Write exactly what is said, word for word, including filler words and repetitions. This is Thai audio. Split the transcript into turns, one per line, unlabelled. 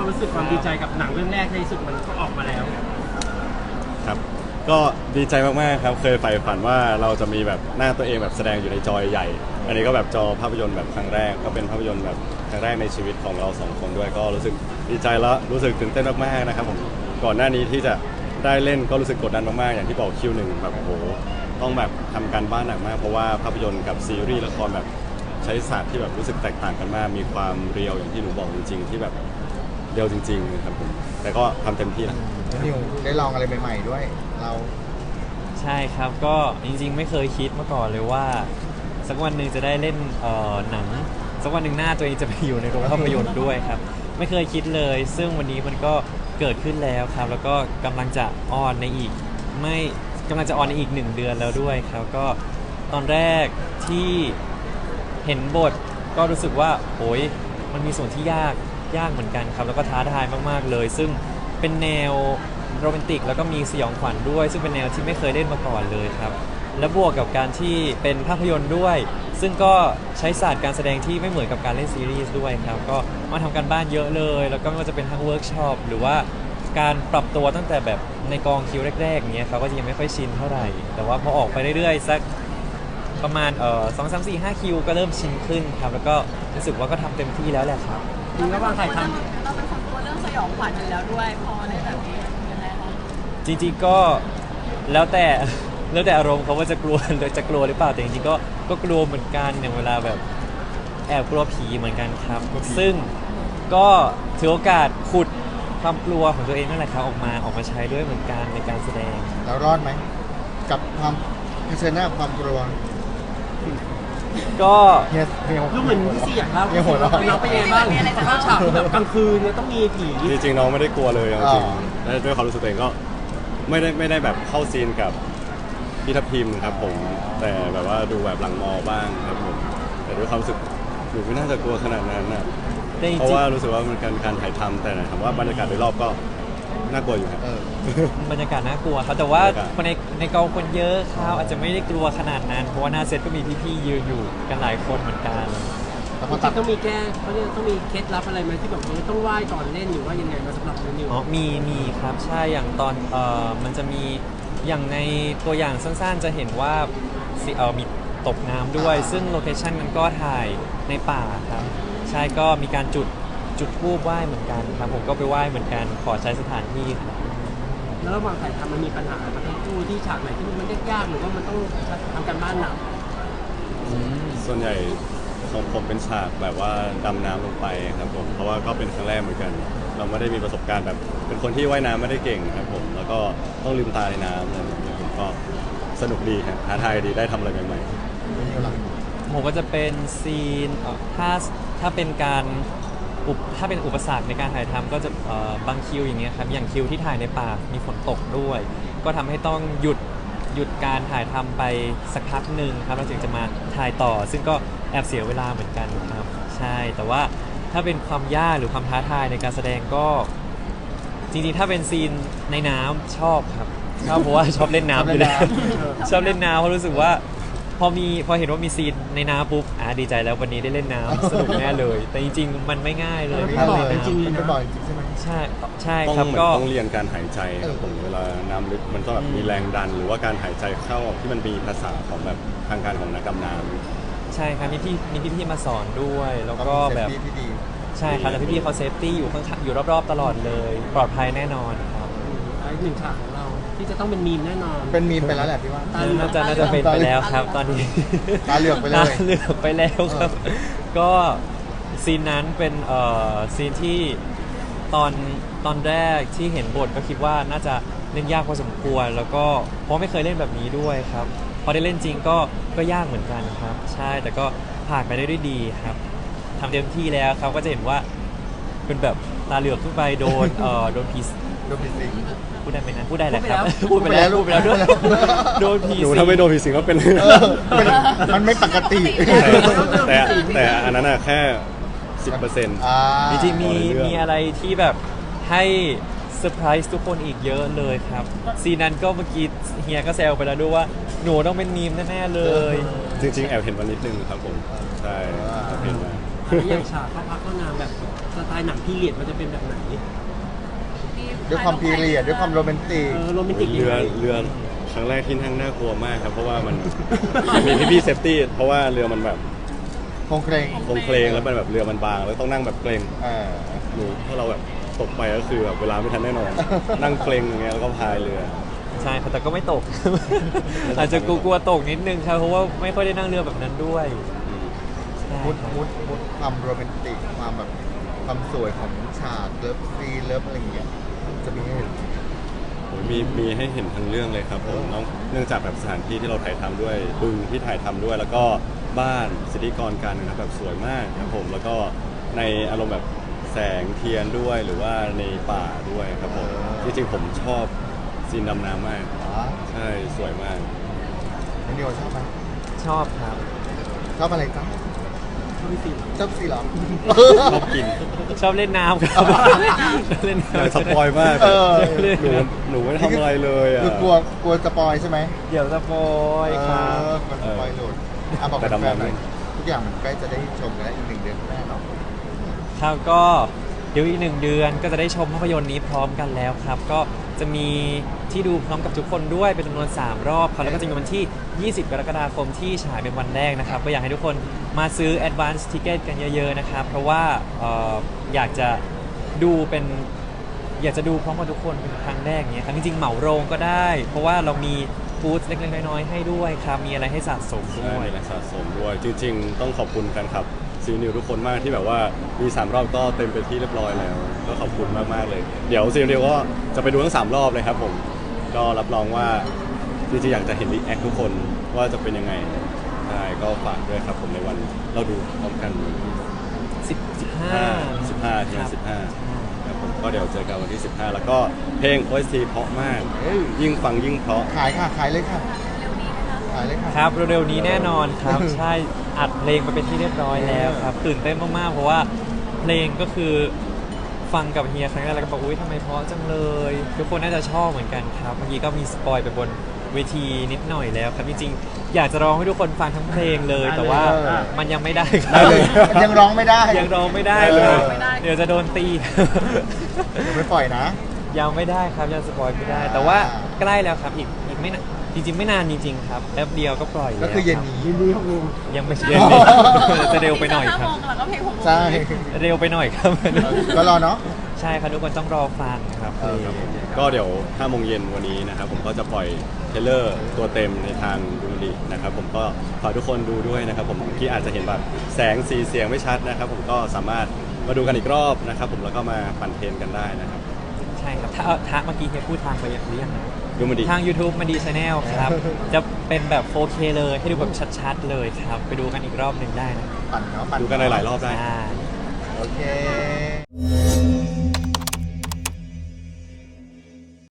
รู้สึกความดีใจกับหนังเรื่องแรกในที่สุดมันก็ออกมาแล้ว
ครับก็ดีใจมากๆครับเคยใฝ่ฝันว่าเราจะมีแบบหน้าตัวเองแบบแสดงอยู่ในจอใหญ่อันนี้ก็แบบจอภาพยนตร์แบบครั้งแรกก็เป็นภาพยนตร์แบบครั้งแรกในชีวิตของเราสองคนด้วยก็รู้สึกดีใจแล้วรู้สึกตื่นเต้นมากๆนะครับผมก่อนหน้านี้ที่จะได้เล่นก็รู้สึกกดดันมากๆอย่างที่บอกคิวหนึ่งแบบโอ้โหต้องแบบทำการบ้านหนักมากเพราะว่าภาพยนตร์กับซีรีส์ละครแบบใช้ศาสตร์ที่แบบรู้สึกแตกต่างกันมากมีความเรียวอย่างที่หนูบอกจริงๆที่แบบเรียวจริงๆครับผมแต่ก็ทำเต็มที่นะ
นิวได้ลองอะไรใหม่ๆด้วยเรา
ใช่ครับก็จริงๆไม่เคยคิดมาก่อนเลยว่าสักวันหนึ่งจะได้เล่นเอ่อหนังสักวันหนึ่งหน้าตัวเองจะไปอยู่ในโรงภาพยนตร์ด้วยครับไม่เคยคิดเลยซึ่งวันนี้มันก็เกิดขึ้นแล้วครับแล้วก็กำลังจะออนในอีกไม่กำลังจะออนในอีกหนึ่งเดือนแล้วด้วยครับก็ตอนแรกที่เห็นบทก็รู้สึกว่าโอ้ยมันมีส่วนที่ยากยากเหมือนกันครับแล้วก็ท้าทายมากๆเลยซึ่งเป็นแนวโรแมนติกแล้วก็มีสยองขวัญด้วยซึ่งเป็นแนวที่ไม่เคยเล่นมาก่อนเลยครับและบวกกับการที่เป็นภาพยนตร์ด้วยซึ่งก็ใช้ศาสตร์การแสดงที่ไม่เหมือนกับการเล่นซีรีส์ด้วยครับก็มาทำการบ้านเยอะเลยแล้วก็ไม่ว่าจะเป็นทั้งเวิร์กช็อปหรือว่าการปรับตัวตั้งแต่แบบในกองคิวแรกๆอย่างเงี้ยเขาก็ยังไม่ค่อยชินเท่าไหร่แต่ว่าพอออกไปเรื่อยๆสักประมาณเอ่อสองสามสี่ห้าคิวก็เริ่มชินขึ้นครับแล้วก็รู้สึกว่าก็ทำเต็มที่แล้วแหละครับ
จริงแล้ววางถ่ายทำ
เราเป็นคนกลัวเรื่องสยองขวัญอยู่แล้วด้วยพอในแบบนี้ยังไงคะ
จริงๆก็แล้วแต่แล้วแต่อารมณ์เขาว่าจะกลัวหรือจะกลัวหรือเปล่าแต่จริงๆก็ก็กลัวเหมือนกันอย่างเวลาแบบแอบกลัวผีเหมือนกันครับซึ่งก็ถือโอกาสขุดความกลัวของตัวเองนั่นแหละครับออกมาออกมาใช้ด้วยเหมือนกันในการแสดง
แล้วรอดไหมกับความเผชิญหน้าความกลัว
ก็
รู้เหมือนพี่ซีอยากเล่าน้องเป็นยังไงบ้างถ้าฉากแบบกลางคืนเนี่ยต้องมีผี
จริงๆน้องไม่ได้กลัวเลยจริงๆด้วยความรู้สึกตัวเองก็ไม่ได้ไม่ได้แบบเข้าซีนกับพี่ทัพทิมครับผมแต่แบบว่าดูแบบหลังมอบ้างครับผมแต่ด้วยความรู้สึกหนูไม่น่าจะกลัวขนาดนั้นนะเพราะว่ารู้สึกว่ามันการการถ่ายทำแต่ถามว่าบรรยากาศโดยรอบก็น่ากลัวอยู่ครับ
บรรยากาศน่ากลัวครับแต่ว่าคนในในกองคนเยอะเขาอาจจะไม่ได้กลัวขนาดนั้นเพราะว่าหน้าเซตก็มีพี่ๆยืนอยู่กันหลายคนเหมือนกัน
จริงๆต้องมีแก้เขาเรียกต้องมีเคล็ดลับอะไรไหมที่แบบต้องไหว้ก่อนเล่นหรือว่ายังไงมาสำหรับนิว
อ๋อมีมีครับใช่อย่างตอนเอ่อมันจะมีอย่างในตัวอย่างสั้นๆจะเห็นว่าเอ่อมีตกน้ำด้วยซึ่งโลเคชั่นมันก็ถ่ายในป่าครับใช่ก็มีการจุดจุดธูปไหว้เหมือนกันครับผมก็ไปไหว้เหมือนกันขอใช้สถานที่ครับ
แล้วระหว่างถ่ายทำมันมีปัญหากับทั้งคู่ที่ฉากไหนที่มันยากๆหรือว่ามันต้องทำการบ้านหนัก
ส่วนใหญ่ของผมเป็นฉากแบบว่าดำน้ำลงไปครับผมเพราะว่าก็เป็นครั้งแรกเหมือนกันเราไม่ได้มีประสบการณ์แบบเป็นคนที่ว่ายน้ำไม่ได้เก่งครับผมแล้วก็ต้องลืมตาในน้ำอะไรอย่างเงี้ยผมก็สนุกดีครับท้าทายดีได้ทำอะไรใหม่
ๆผมก็จะเป็นซีนถ้าถ้าเป็นการถ้าเป็นอุปสรรคในการถ่ายทำก็จะบางคิวอย่างเงี้ยครับอย่างคิวที่ถ่ายในป่ามีฝนตกด้วยก็ทำให้ต้องหยุดหยุดการถ่ายทำไปสักพักหนึ่งครับเราถึงจะมาถ่ายต่อซึ่งก็แอบเสียเวลาเหมือนกันครับใช่แต่ว่าถ้าเป็นความยากหรือความท้าทายในการแสดงก็จริงๆถ้าเป็นซีนในน้ำชอบครับชอบเพราะว่าชอบเล่นน้ำอยู่แล้วชอบเล่นน้ำเพราะรู้สึกว่าพอมีพอเห็นว่ามีซีนในน้ำปุ๊บอ่ะดีใจแล้ววันนี้ได้เล่นน้ำสนุกแน่เลยแต่จริงๆมันไม่ง่ายเลย
ไม่บ่อยจริงๆไม่บ่อยจริงใช่ไหม
ใช่ใช่
ครับ
ก็
ต้องเรียนการหายใจครับผมเวลาน้ำลึกมันต้องแบบมีแรงดันหรือว่าการหายใจเข้าที่มันมีภาษาของแบบทางการของนักดำน้
ำใช่ครับมีพี่มีพี่ๆมาสอนด้วยแล้วก็แบบใช่ครับแล้วพี่ๆเขาเซฟตี้อยู่ข้างๆอยู่รอบๆตลอดเลยปลอดภัยแน่นอนครับ
อีกหนึ่งฉากของเราที่จะต้องเป็นมีมแน่นอน
เป็นมีมไปแล้วแหละพี่ว่า
น่าจะน่าจะเป็นไปแล้วครับตอนนี้
ตาเหลือกไปเลย
ตาเหลือกไปแล้วครับก็ซีนนั้นเป็นเอ่อซีนที่ตอนตอนแรกที่เห็นบทก็คิดว่าน่าจะเล่นยากพอสมควรแล้วก็เพราะไม่เคยเล่นแบบนี้ด้วยครับพอได้เล่นจริงก็ก็ยากเหมือนกันครับใช่แต่ก็ผ่านไปได้ด้วยดีครับทำเต็มที่แล้วครับก็จะเห็นว่าเป็นแบบตาเหลือกขึ้นไปโดนเอ่อโดนผี
โดนผีสิง
พูดได้ไหมนะพูดได้แหละครับพูดไปแล้วพูดไปแล้วด้วยโดนผีสิงหนู
ถ้าไม่โดนผีสิงก็เป็น
มันไม่ปกติ
แต่แต่อันนั้นอะแค่สิบเปอร์เซ็นต์
จริงๆมีมีอะไรที่แบบให้เซอร์ไพรส์ทุกคนอีกเยอะเลยครับซีนั้นก็เมื่อกี้เฮียก็แซวไปแล้วด้วยว่าหนูต้องเป็นมีมแน่ๆเลย
จริงๆแอบเห็นวันนิดนึงครับผมใช่เห็นมา
แล้วอย่างฉากเข้าพักเข้านางแบบสไตล์หนังพีเรียดมันจะเป็นแบบไหน
ด้วยความพีเรียดด้วยความโรแมนติก
เออโรแมนติก
เรือเรือครั้งแรกที่นั่งน่ากลัวมากครับ เพราะว่ามัน มีพี่พี่เซฟตี้เพราะว่าเรือมันแบบ
คงเครง
โครงเคลงแล้วมันแบบเรือมันบางแล้วต้องนั่งแบบเกรง
อ่า
หนูถ้าเราแบบตกไปก็คือแบบเวลาไม่ทันแน่นอน นั่งเกรงอย่างเงี้ยแล้วก็พายเรือ
ใช่ครับแต่ก็ไม่ตก อาจจะกลัวๆตกนิดนึงครับเพราะว่าไม่ค่อยได้นั่งเรือแบบนั้นด้วยใช่
มุด
ครับ
มุดมุดความโรแมนติกความแบบความสวยของฉากเลิฟซีนเลิฟอะไรอย่างเงี้ยจะมีให้เห็น
โอ้ยมีมีให้เห็นทั้งเรื่องเลยครับผมเนื่องเนื่องจากแบบสถานที่ที่เราถ่ายทำด้วยบึงที่ถ่ายทำด้วย แล้วก็บ้านสิทธิกรการนะครับแบบสวยมากครับผมแล้วก็ในอารมณ์แบบแสงเทียนด้วยหรือว่าในป่าด้วยครับผมจริงๆผมชอบซีนดำน้ำมาก
อ๋อ
ใช่สวยมาก
น้องนิวชอบไหม
ชอบครับ
ชอบอะไรจ๊ะ
ชอบพี่สิง
ชอบซีเหรอ
ชอบกิน
ชอบเล่นน้ำครับชอบเล่น
อยาก
น้ำ
สปอยมาก
เออ
หนูหนูไม่ทำอะไรเลยอ่ะ
คือกลัวกลัวสปอยใช่ไหม
เดี๋ยวสปอยครับ
เออมันสปอยหลุดอ่ะบอก
แต่
แฟ
ดำ
น
น้ำ
ๆหน่อยทุกอย่างมันใกล้จะได้ชมกันแล้วอีกหนึ่งเดือนข้างหน้าเนาะ
ครับก็เดี๋ยวอีกหนึ่งเดือนก็จะได้ชมภาพยนตร์นี้พร้อมกันแล้วครับ ก็จะมีที่ดูพร้อมกับทุกคนด้วยเป็นจำนวนสามรอบครับแล้วก็จะมีวันที่ ยี่สิบ กรกฎาคมที่ฉายเป็นวันแรกนะครับก็อยากให้ทุกคนมาซื้อ Advance Ticket กันเยอะๆนะครับเพราะว่าเอ่ออยากจะดูเป็นอยากจะดูพร้อมกับทุกคนเป็นครั้งแรกเนี้ยครับจริงๆเหมาโรงก็ได้ เพราะว่าเรามีฟู้ดเล็กๆน้อยๆให้ด้วยครับมีอะไรให้สะสมด้
ใช่
วย
มีและสะสมด้วย จริง ๆ ต้องขอบคุณแฟนคลับซีนิวทุกคนมากที่แบบว่ามีสามรอบก็เต็มไปที่เรียบร้อยแล้ว ก็ขอบคุณมากๆเลย เดี๋ยวซีนิวก็จะไปดูทั้งสามรอบเลยครับผมก็รับรองว่าจริงๆอยากจะเห็นรีแอคทุกคนว่าจะเป็นยังไงใช่ก็ฝากด้วยครับผมในวันเราดูพร้อมกัน
สิบ สิบห้า
สิบห้าใช่ไหมสิบห้าครับผมก็เดี๋ยวเจอกันวันที่สิบห้าแล้วก็เพลง โอ เอส ที เพราะมาก
เฮ้ย
ยิ่งฟังยิ่งเพราะ
ขายค่ะ ขายเลยค่ะ ขายเลยค่ะ
ครับเร็วๆนี้แน่นอนครับ ใช่อัดเพลงไปเป็นที่เรียบร้อยแล้วครับตื่นเต้นมากๆเพราะว่าเพลงก็คือฟังกับเฮียครั้งแรกแล้วก็บอกอุ้ยทำไมเพราะจังเลย ทุกคนน่าจะชอบเหมือนกันครับเมื่อกี้ก็มีสปอยไปบนเวทีนิดหน่อยแล้วครับจริงๆอยากจะร้องให้ทุกคนฟังทั้งเพลงเลย แต่ว่ามันยังไม่ได้ครับ
ได้เลย ยังร้องไม่ได้
ยังร้องไม่ได้เลย
เออ
เดี๋ยวจะโดนตี
ยังไม่ปล่อยนะ
ยังไม่ได้ครับยังสปอยไม่ได้ แต่ว่าใกล้แล้วครับอีกอีกไม่นานจริง ๆ ไม่นานจริงๆครับแป๊บเดียวก็ปล่อยแล้ว
ก็คือเย็น
รับ
นี้
ยินดีครับลุง
ยังไม่เย็นนี้ จะเร็วไปหน่อยครับ
ห้าโมงแล้วก็เพลงหกโมง
ใช่
เร็วไปหน่อยครับ
ก็รอเนาะ
ใช่ครับทุกคนต้องรอฟังครับ
เออ
ครับผมก็เดี๋ยวห้าโมงเย็นวันนี้นะครับผมก็จะปล่อยเทรลเลอร์ตัวเต็มในทางดูมันดีนะครับผมก็ฝากทุกคนดูด้วยนะครับผมที่อาจจะเห็นแบบแสงสีเสียงไม่ชัดนะครับผมก็สามารถมาดูกันอีกรอบนะครับผมแล้วก็มาปั่นเทรนกันได้นะครับ
ใช่ครับถ้าเอาถ้าเมื่อกี้เฮียพูดทางไปอย่างเรียงนะ
ดูมันดี
ทาง YouTube มันดีชาแนลครับ จะเป็นแบบ โฟร์เค เลยให้ดูแบบชัดๆเลยครับ ไปดูกันอีกรอบหนึ่งได้นะ
ปั่นเนาะปั่น
ดูกันหลายๆรอบได้
ใช่
โอเค